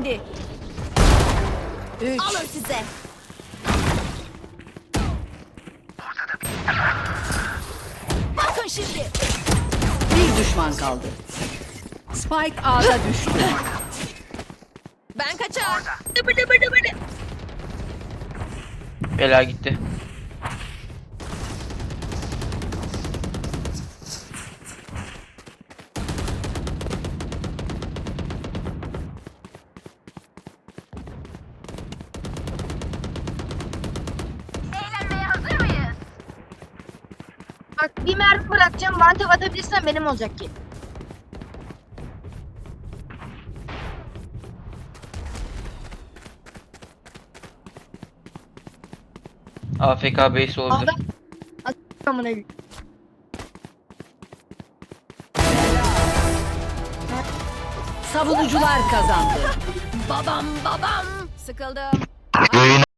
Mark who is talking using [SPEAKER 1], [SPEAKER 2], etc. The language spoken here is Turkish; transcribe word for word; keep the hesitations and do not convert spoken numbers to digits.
[SPEAKER 1] indi. Üç.
[SPEAKER 2] Alın size. Bakın şimdi.
[SPEAKER 1] Bir düşman kaldı. Spike A'da düştü.
[SPEAKER 2] Ben kaçar. Dıbı dıbı dıbı dı.
[SPEAKER 3] Bela gitti.
[SPEAKER 2] Eğlenmeye hazır mıyız?
[SPEAKER 4] Bak bir mermi bırakacağım. Bana tek atabilirsen benim olacak ki.
[SPEAKER 3] A F K base olabilir.
[SPEAKER 4] Adam. Amına koyayım.
[SPEAKER 1] Savunucular kazandı.
[SPEAKER 2] Babam babam. Sıkıldım.